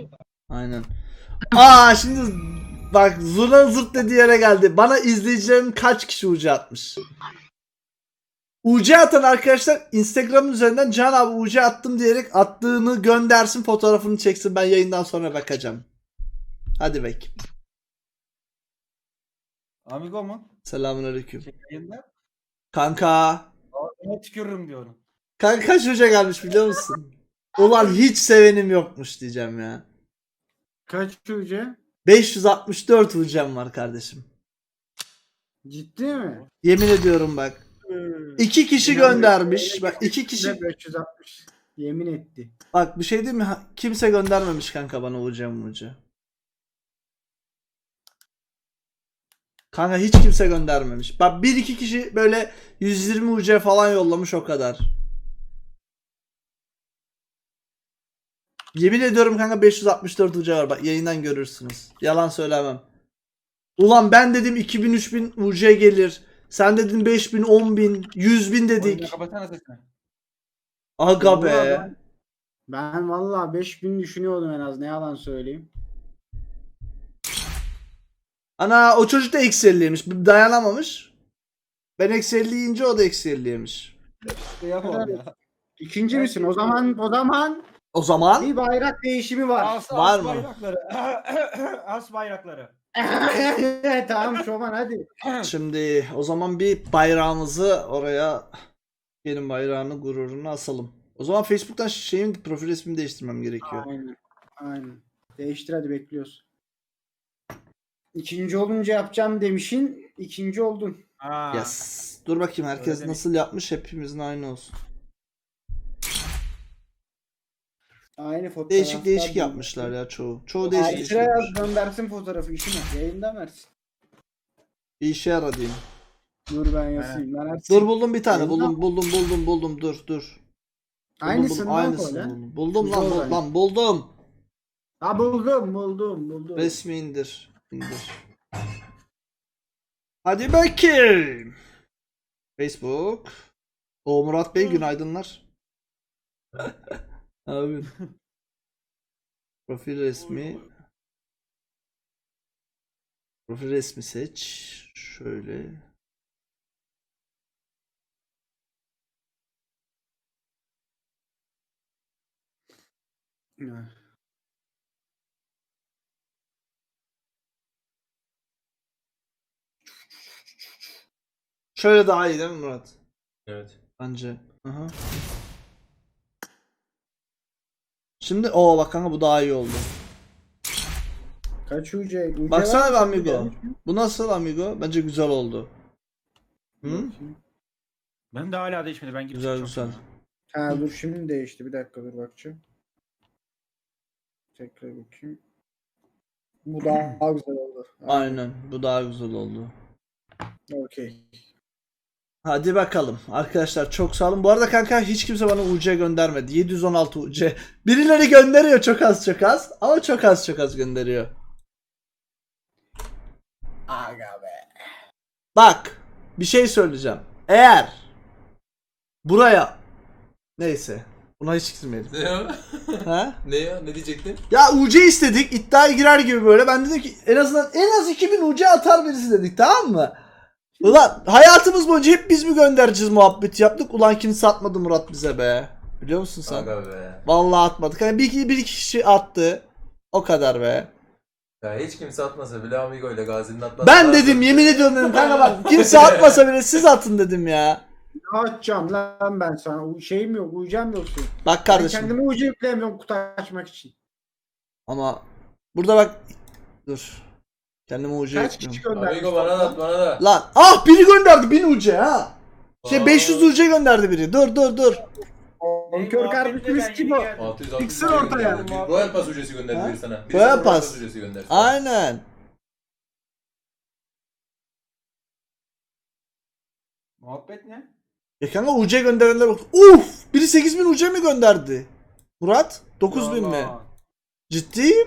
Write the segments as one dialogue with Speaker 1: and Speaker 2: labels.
Speaker 1: Aynen. Aa şimdi bak zurna zırt dediği yere geldi. Bana izleyicilerin kaç kişi UC atmış? UC atan arkadaşlar Instagram üzerinden Can abi UC attım diyerek attığını göndersin, fotoğrafını çeksin, ben yayından sonra bakacağım. Hadi bek.
Speaker 2: Amigo mu?
Speaker 1: Selamünaleyküm.
Speaker 2: Yayında.
Speaker 1: Kanka.
Speaker 2: Ona tükürürüm diyorum.
Speaker 1: Kanka kaç UC gelmiş biliyor musun? Ulan hiç sevenim yokmuş diyeceğim ya.
Speaker 3: Kaç UC?
Speaker 1: 564 UC'm var kardeşim.
Speaker 3: Ciddi mi?
Speaker 1: Yemin ediyorum bak. 2 kişi göndermiş. Bak 2 kişi.
Speaker 3: 560. Yemin etti.
Speaker 1: Bak bir şey diyeyim mi? Kimse göndermemiş kanka bana UC. Kanka hiç kimse göndermemiş. Bak 1-2 kişi böyle 120 UC falan yollamış, o kadar. Yemin ediyorum kanka 564 UC var. Bak yayından görürsünüz. Yalan söylemem. Ulan ben dedim 2000-3000 UC gelir. Sen dedin 5000, 10.000, 100.000
Speaker 2: Oyunu
Speaker 1: dedik.
Speaker 2: kapatsana sesini.
Speaker 1: Aga be.
Speaker 3: Vallahi Ben valla 5000 düşünüyordum en az, ne yalan söyleyeyim.
Speaker 1: Ana o çocuk da eksi 50'ymiş. Dayanamamış. Ben eksi 50 yiyince o da eksi 50 yemiş.
Speaker 2: Yapalım ya.
Speaker 3: İkinci misin? O zaman
Speaker 1: O zaman
Speaker 3: bir bayrak değişimi var.
Speaker 1: Var mı?
Speaker 2: Bayrakları. As bayrakları.
Speaker 3: Tamam Şoman hadi.
Speaker 1: şimdi o zaman bir bayrağımızı oraya, benim bayrağını, gururunu asalım. O zaman Facebook'tan şeyin profil resmimi değiştirmem gerekiyor.
Speaker 3: Aynen. Aynen. Değiştir hadi, bekliyoruz. İkinci olunca yapacağım demişin. İkinci oldun.
Speaker 2: Ha.
Speaker 1: Yes. Dur bakayım herkes
Speaker 2: Öyle
Speaker 1: nasıl yapmış, hepimizin aynı olsun.
Speaker 3: Aynı fotoğraf.
Speaker 1: Değişik değişik yapmışlar ya çoğu. Çoğu değişik değişik
Speaker 3: Ayşe yaz,
Speaker 1: yapmış.
Speaker 3: göndersin fotoğrafı, işine. Yayında versin.
Speaker 1: Bir işe yarar diyeyim.
Speaker 3: Dur ben yazayım. Ben
Speaker 1: Dur buldum bir tane.
Speaker 3: Yayında-
Speaker 1: Buldum. Dur.
Speaker 3: Aynısından
Speaker 1: Aynısını
Speaker 3: koy.
Speaker 1: buldum. Buldum
Speaker 3: Güzel
Speaker 1: lan,
Speaker 3: olay.
Speaker 1: buldum.
Speaker 3: Ha buldum.
Speaker 1: Resmi indir. Hadi bakayım. Facebook. O Murat Bey günaydınlar. Abi. Profil resmi. Profil resmi seç. Şöyle. Şöyle daha iyi değil mi Murat?
Speaker 4: Evet.
Speaker 1: Bence. Aha. Şimdi o bak kanka, bu daha iyi oldu.
Speaker 3: Kaç UC?
Speaker 1: Baksana
Speaker 3: var
Speaker 1: be
Speaker 3: mı?
Speaker 1: amigo. Bu nasıl amigo? Bence güzel oldu. Hı?
Speaker 2: Benim de hala değişmedi. Ben gidip
Speaker 1: Güzel
Speaker 2: çıkacağım
Speaker 1: güzel.
Speaker 2: sonra.
Speaker 3: Ha dur, şimdi değişti. Bir dakika dur bakacağım. Tekrar bakayım. Bu daha güzel oldu.
Speaker 1: Aynen. Bu daha güzel oldu.
Speaker 3: Okey.
Speaker 1: Hadi bakalım. Arkadaşlar çok sağ olun. Bu arada kanka hiç kimse bana UC göndermedi. 716 UC. Birileri gönderiyor çok az. Ama çok az gönderiyor.
Speaker 3: Aga be.
Speaker 1: Bak. Bir şey söyleyeceğim. Eğer buraya, neyse. Buna hiç girmeyelim.
Speaker 4: Ne ya?
Speaker 1: Ha?
Speaker 4: Ne ya? Ne diyecektin?
Speaker 1: Ya UC istedik. İddiaya girer gibi böyle. Ben dedim ki en az 2000 UC atar birisi dedik, tamam mı? Ulan hayatımız boyunca hep biz mi göndereceğiz muhabbeti yaptık. Ulan kimse atmadı Murat bize be. Biliyor musun sen?
Speaker 4: Aga be.
Speaker 1: Vallahi atmadık. Hani bir iki kişi attı. O kadar be.
Speaker 4: Ya hiç kimse atmasa bile Amigo ile Gazi'nin atması
Speaker 1: Ben
Speaker 4: lazım.
Speaker 1: dedim, yemin ediyorum dedim kanka, bak kimse atmasa bile siz atın dedim ya.
Speaker 3: Ne atacağım lan ben sana? Şeyim yok, uyacağım yok senin.
Speaker 1: Bak
Speaker 3: Ben
Speaker 1: kardeşim.
Speaker 3: kendime ucu yükleyemiyorum kutu açmak için.
Speaker 1: Ama burada bak. Dur. Kendime ucu
Speaker 3: Kaç kişi
Speaker 1: ekliyorum.
Speaker 3: göndermiş?
Speaker 4: Amigo bana da at bana da.
Speaker 1: Lan biri gönderdi 1000 UC ha.
Speaker 4: Aa.
Speaker 1: 500 UC gönderdi biri. Dur.
Speaker 3: Bonkör kardeşimiz kim o?
Speaker 4: 600
Speaker 3: Çıksın ortaya.
Speaker 4: Royal Pass ücreti
Speaker 1: Ha?
Speaker 4: gönderdi bir sana. Birisi
Speaker 1: Royal
Speaker 4: sana
Speaker 1: Pass.
Speaker 4: ücreti gönderdi.
Speaker 1: Aynen.
Speaker 2: Muhabbet ne?
Speaker 1: Ya kanka UC gönderenler bak. Uf! Biri 8000 UC mi gönderdi? Murat 9000 mi?
Speaker 2: Allah.
Speaker 1: Ciddiyim.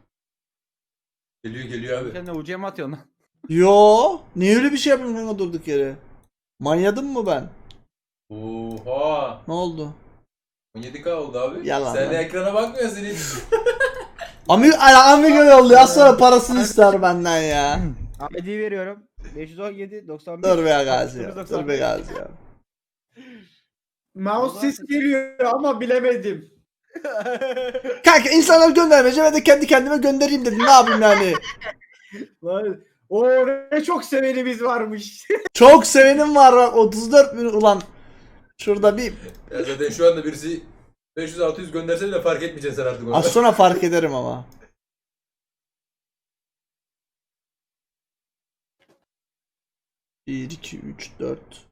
Speaker 4: Geliyor abi.
Speaker 2: Sen de ucuya mı atıyorsun lan?
Speaker 1: Yo, niye öyle bir şey yapayım kanka durduk yere? Manyadım mı ben?
Speaker 4: Oha.
Speaker 1: Ne oldu?
Speaker 4: 17K oldu abi.
Speaker 1: Yalan
Speaker 4: Sen
Speaker 1: lan.
Speaker 4: de ekrana bakmıyorsun hiç.
Speaker 1: Amigo yolluyor. Az sonra parasını ister benden ya.
Speaker 2: ID veriyorum. 517 91.
Speaker 1: Dur be Gazi ya.
Speaker 2: 69,
Speaker 1: Dur be
Speaker 2: 91.
Speaker 1: Gazi ya.
Speaker 3: Mouse sesi geliyor ama bilemedim.
Speaker 1: Kanka insanlar göndermeyeceğim ve de kendi kendime göndereyim dedim. Ne yapayım yani?
Speaker 3: Vay, o ne çok sevenimiz varmış.
Speaker 1: Çok sevenim var bak 34 bin ulan. Şurada bir
Speaker 4: Ya zaten şu anda birisi 500-600 gönderse bile fark etmeyeceksin sen artık onu.
Speaker 1: az sonra fark ederim ama. Bir, iki, üç, dört.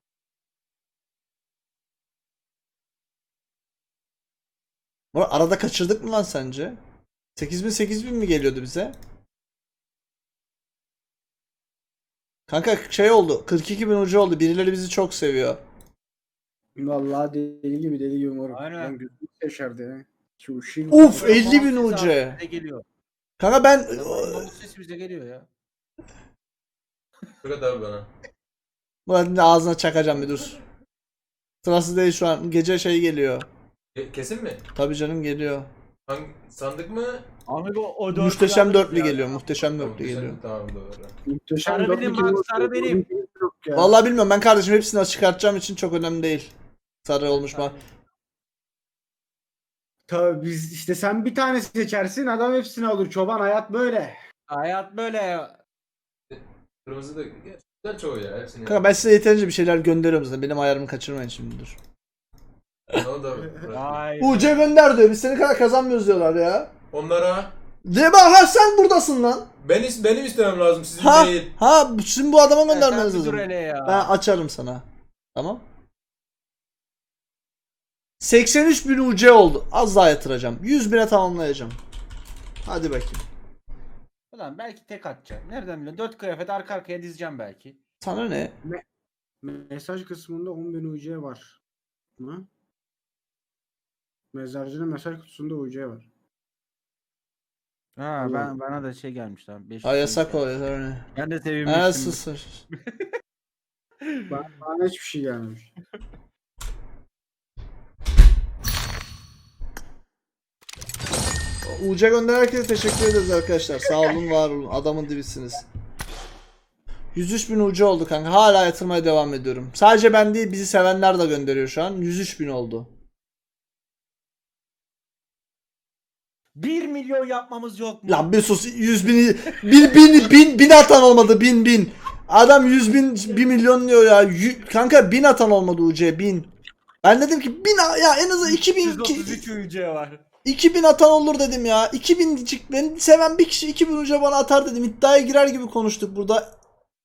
Speaker 1: Arada kaçırdık mı lan sence? 8.000 mi geliyordu bize? Kanka şey oldu. 42.000 ucu oldu. Birileri bizi çok seviyor.
Speaker 3: Vallahi deli gibi moruk.
Speaker 2: Aynen.
Speaker 3: Ben gözüm yaşardı ya. Şu ışığı.
Speaker 1: Uf, 50.000
Speaker 2: Mouse sesi
Speaker 1: ucu.
Speaker 2: abi bize geliyor.
Speaker 1: Kanka ben
Speaker 2: Mouse sesi bize geliyor ya.
Speaker 4: Fırat abi bana.
Speaker 1: Murat'ın da ağzına çakacağım bir dur. Sırası değil şu an. Gece şey geliyor.
Speaker 4: Kesin mi?
Speaker 1: Tabii canım geliyor.
Speaker 4: Hangi sandık mı?
Speaker 2: Amigo o dört
Speaker 1: Muhteşem
Speaker 2: alırız
Speaker 1: dörtlü
Speaker 2: ya.
Speaker 1: geliyor. Muhteşem
Speaker 4: Tamam,
Speaker 1: dörtlü
Speaker 4: güzel.
Speaker 1: geliyor.
Speaker 4: Tamam doğru.
Speaker 3: Muhteşem
Speaker 2: Sarı
Speaker 3: dört
Speaker 2: benim
Speaker 3: iki
Speaker 2: bak,
Speaker 3: moruk.
Speaker 2: sarı benim.
Speaker 3: Yok ya.
Speaker 1: Vallahi bilmiyorum, ben kardeşim hepsini çıkartacağım için çok önemli değil. Sarı olmuş mu?
Speaker 3: Tabii biz işte sen bir tane seçersin adam hepsini alır. Çoban hayat böyle.
Speaker 2: Hayat böyle ya.
Speaker 4: Kırmızı da güzel çoğu ya hepsini.
Speaker 1: Kanka ben size yeterince bir şeyler gönderiyorum zaten. Benim ayarımı kaçırmayın şimdi dur.
Speaker 4: Onu da bırak.
Speaker 2: Ay.
Speaker 1: UC gönder diyor. Biz seni kadar kazanmıyoruz diyorlar ya.
Speaker 4: Onlara
Speaker 1: De bak, ha sen buradasın lan.
Speaker 4: benim istemem lazım sizin
Speaker 1: Ha
Speaker 4: değil.
Speaker 1: ha şimdi bu adama
Speaker 2: Sen
Speaker 1: göndermeniz
Speaker 2: bir dur
Speaker 1: lazım.
Speaker 2: hele ya.
Speaker 1: Ben açarım sana. Tamam. 83.000 UC oldu. Az daha yatıracağım. 100.000'e tamamlayacağım. Hadi bakayım.
Speaker 2: Ulan belki tek atacağım. Nereden biliyorsun? 4 kıyafet arka arkaya dizeceğim belki.
Speaker 1: Sana ne?
Speaker 3: Mesaj kısmında 10.000 UC var. Mı? Mezarcının mesaj kutusunda UC var.
Speaker 2: Ha
Speaker 3: Allah.
Speaker 2: bana da şey gelmiş lan. 500
Speaker 1: Ha yasak
Speaker 2: gelmiş.
Speaker 1: o yasak ne?
Speaker 2: Ben de
Speaker 1: Ha
Speaker 2: sevinmiştim.
Speaker 1: sus.
Speaker 3: Bana hiçbir şey gelmemiş.
Speaker 1: UC gönderen herkese teşekkür ederiz arkadaşlar. Sağ olun, var olun. Adamın dibisiniz. 103.000 UC oldu kanka. Hala yatırmaya devam ediyorum. Sadece ben değil, bizi sevenler de gönderiyor şu an. 103.000 oldu.
Speaker 2: 1 milyon yapmamız yok mu?
Speaker 1: Lan bir sus, 100.000 bin atan olmadı, bin. Adam 100.000 1 milyon diyor ya. Kanka 1000 atan olmadı UC, 1000. Ben dedim ki 1000 ya, en azından 2000
Speaker 2: 133 UC var.
Speaker 1: 2000 atan olur dedim ya. 2000 diyecek, beni seven bir kişi 2000 UC bana atar dedim. İddiaya girer gibi konuştuk burada.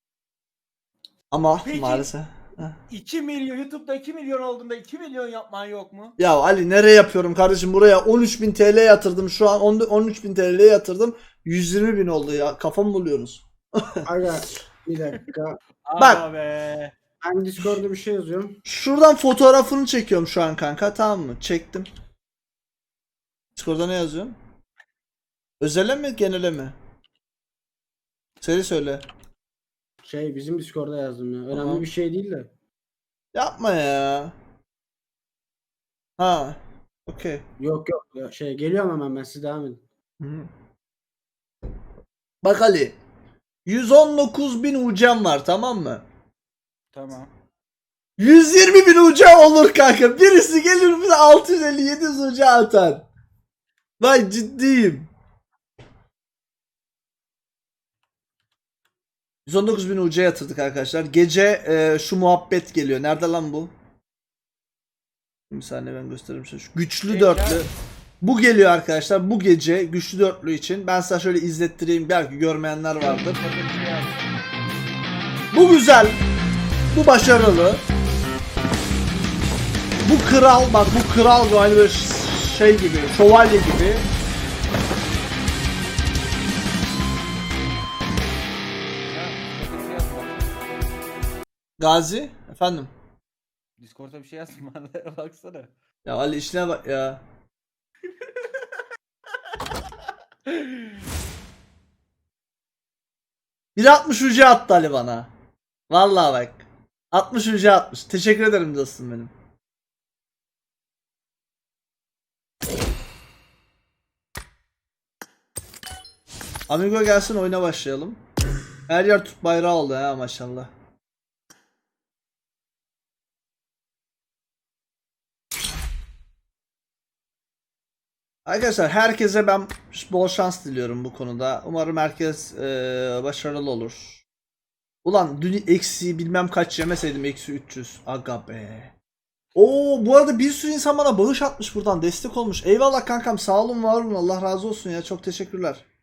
Speaker 1: Ama
Speaker 2: Peki.
Speaker 1: maalesef.
Speaker 2: 2 milyon YouTube'da 2 milyon olduğunda 2 milyon yapman yok mu?
Speaker 1: Ya Ali nereye yapıyorum kardeşim, buraya 13.000 TL yatırdım, şu an 13.000 TL yatırdım, 120.000 oldu ya, kafamı buluyorsunuz.
Speaker 3: Aga bir dakika.
Speaker 1: Bak.
Speaker 2: Aga be.
Speaker 3: Ben Discord'da bir şey yazıyorum.
Speaker 1: Şuradan fotoğrafını çekiyorum şu an kanka, tamam mı? Çektim. Discord'da ne yazıyorsun? Özele mi genele mi? Söyle.
Speaker 3: Bizim Discord'da yazdım ya. Önemli
Speaker 1: Tamam.
Speaker 3: bir şey değil de.
Speaker 1: Yapma ya. Ha. Okey.
Speaker 3: Yok. Ya, geliyorum hemen ben siz devam edin.
Speaker 1: Hı. Bak Ali. 119.000 UC'm var, tamam mı?
Speaker 2: Tamam.
Speaker 1: 120.000 UC olur kanka. Birisi gelir bize 650-700 UC atar. Vay ciddiyim. 119.000 UC yatırdık arkadaşlar. Gece şu muhabbet geliyor. Nerede lan bu? Bir saniye ben göstereyim size. Şu güçlü
Speaker 2: Gece-
Speaker 1: dörtlü. Bu geliyor arkadaşlar. Bu gece güçlü dörtlü için. Ben size şöyle izlettireyim. Belki görmeyenler vardır. Bu güzel. Bu başarılı. Bu kral, bak bu kral aynı böyle şey gibi, şövalye gibi. Gazi, efendim.
Speaker 2: Discord'da bir şey yazma bana baksana.
Speaker 1: Ya Ali işine bak ya. Bir 60 UC attı Ali bana. Vallahi bak. 60 UC atmış. Teşekkür ederim dostum benim. Amigo gelsin oyuna başlayalım. Her yer Türk bayrağı oldu ha maşallah. Arkadaşlar herkese ben bol şans diliyorum bu konuda. Umarım herkes başarılı olur. Ulan dün eksi bilmem kaç yemeseydim eksi 300. Aga be. Oo bu arada bir sürü insan bana bağış atmış buradan destek olmuş. Eyvallah kankam sağ olun var olun Allah razı olsun ya çok teşekkürler.